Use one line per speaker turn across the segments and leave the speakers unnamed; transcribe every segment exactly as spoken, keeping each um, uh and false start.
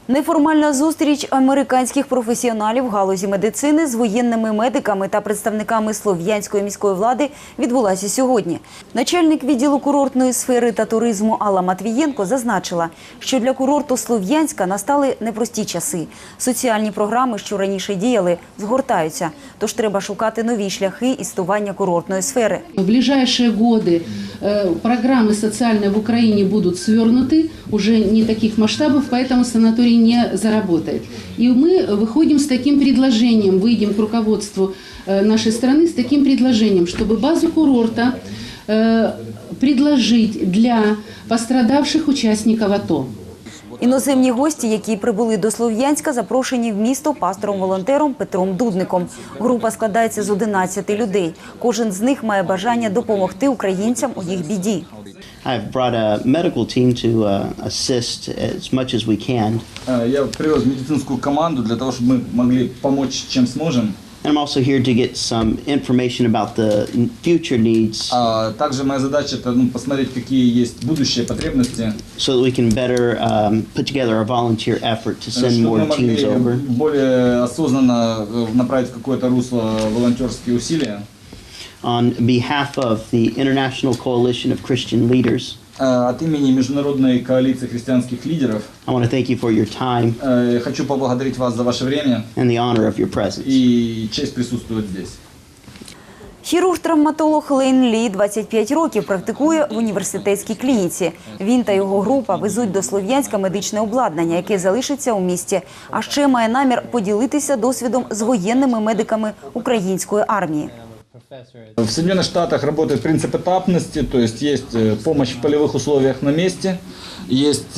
Неформальна зустріч американських професіоналів в галузі медицини з воєнними медиками та представниками Слов'янської міської влади відбулася сьогодні. Начальник відділу курортної сфери та туризму Алла Матвієнко зазначила, що для курорту Слов'янська настали непрості часи. Соціальні програми, що раніше діяли, згортаються, тож треба шукати нові шляхи існування курортної сфери.
В ближайшие годы программы социальные в Украине будут свернуты, уже не таких масштабов, поэтому санаторий не заработает. И мы выходим с таким предложением, выйдем к руководству нашей страны с таким предложением, чтобы базу курорта предложить для пострадавших участников АТО.
Іноземні гості, які прибули до Слов'янська, запрошені в місто пастором-волонтером Петром Дудником. Група складається з одинадцяти людей. Кожен з них має бажання допомогти українцям у їх біді.
I've brought a medical team to uh, assist as much as we can.
Я привез медицинскую команду для того, чтобы мы могли помочь, чем сможем.
And I'm also here to get some information about the future needs.
А также моя задача это ну, посмотреть, какие есть будущие потребности.
So that we can better um, put together a volunteer effort to send more teams over.
Более осознанно направить в какое-то русло волонтерские усилия.
On behalf of the International Coalition of Christian Leaders,
от имени международной коалиции христианских лидеров,
I want to thank you for your time.
Хочу поблагодарить вас за ваше время
and the honor of your presence.
И честь присутствовать здесь.
Хірург-травматолог Лейн Лі двадцять п'ять років практикує в університетській клініці. Він та його група везуть до Слов'янська медичне обладнання, яке залишиться у місті. А ще має намір поділитися досвідом з воєнними медиками української армії.
В Соединенных Штатах работает принцип этапности, то есть есть помощь в полевых условиях на месте, есть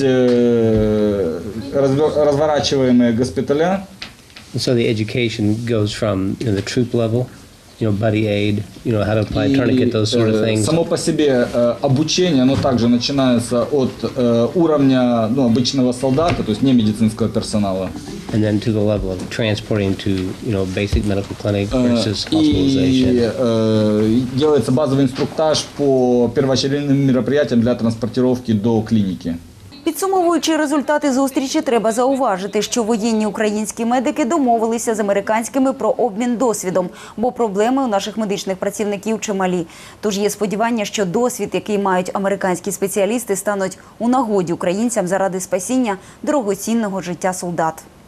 разворачиваемые госпиталя.
So the education goes from you know, the troop level, you know, buddy aid, you know, how to apply a tourniquet, those sort of things.
Само по себе обучение, оно также начинается от уровня ну, обычного солдата, то есть не медицинского персонала.
And then to the level of transporting to, you know, basic medical clinic versus hospitalization.
И делается базовый инструктаж по первоочередным мероприятиям для транспортировки до клиники.
Підсумовуючи результати зустрічі, треба зауважити, що воєнні українські медики домовилися з американськими про обмін досвідом, бо проблеми у наших медичних працівників чималі. Тож є сподівання, що досвід, який мають американські спеціалісти, стануть у нагоді українцям заради спасіння дорогоцінного життя солдат.